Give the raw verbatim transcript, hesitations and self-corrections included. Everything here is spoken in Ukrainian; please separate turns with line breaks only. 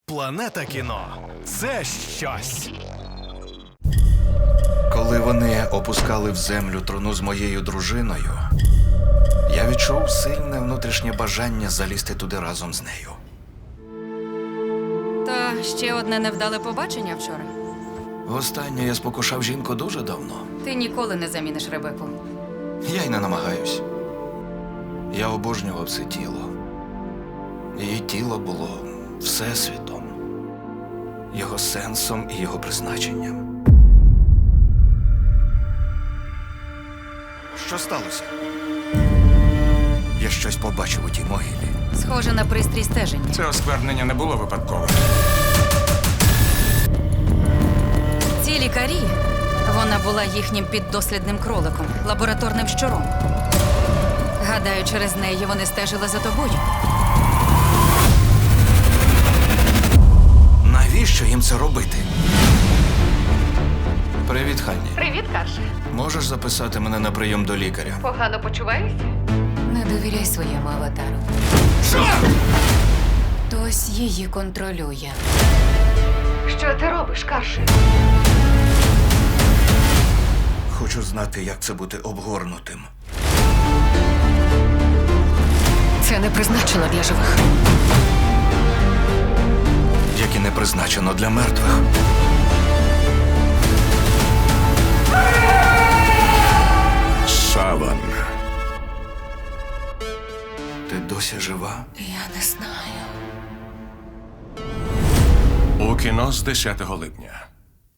Планета кіно – це щось.
Коли вони опускали в землю труну з моєю дружиною, я відчув сильне внутрішнє бажання залізти туди разом з нею.
Та ще одне невдале побачення вчора.
Востаннє я спокушав жінку дуже давно.
Ти ніколи не заміниш Ребеку.
Я й не намагаюсь. Я обожнював це тіло. Її тіло було всесвітом, його сенсом і його призначенням. Що сталося? Я щось побачив у тій могилі.
Схоже на пристрій стеження.
Це осквернення не було випадковим.
Ці лікарі, вона була їхнім піддослідним кроликом, лабораторним щуром. Гадаю, через неї вони стежили за тобою.
Навіщо їм це робити? Привіт, Ханні.
Привіт, Карше.
Можеш записати мене на прийом до лікаря?
Погано почуваєшся?
Не довіряй своєму аватару.
Що?
Хтось її контролює.
Що ти робиш, Карше?
Хочу знати, як це бути обгорнутим.
Це не призначено для живих.
Як і не призначено для мертвих.
Саван.
Ти досі жива?
Я не знаю.
У кіно з десятого липня.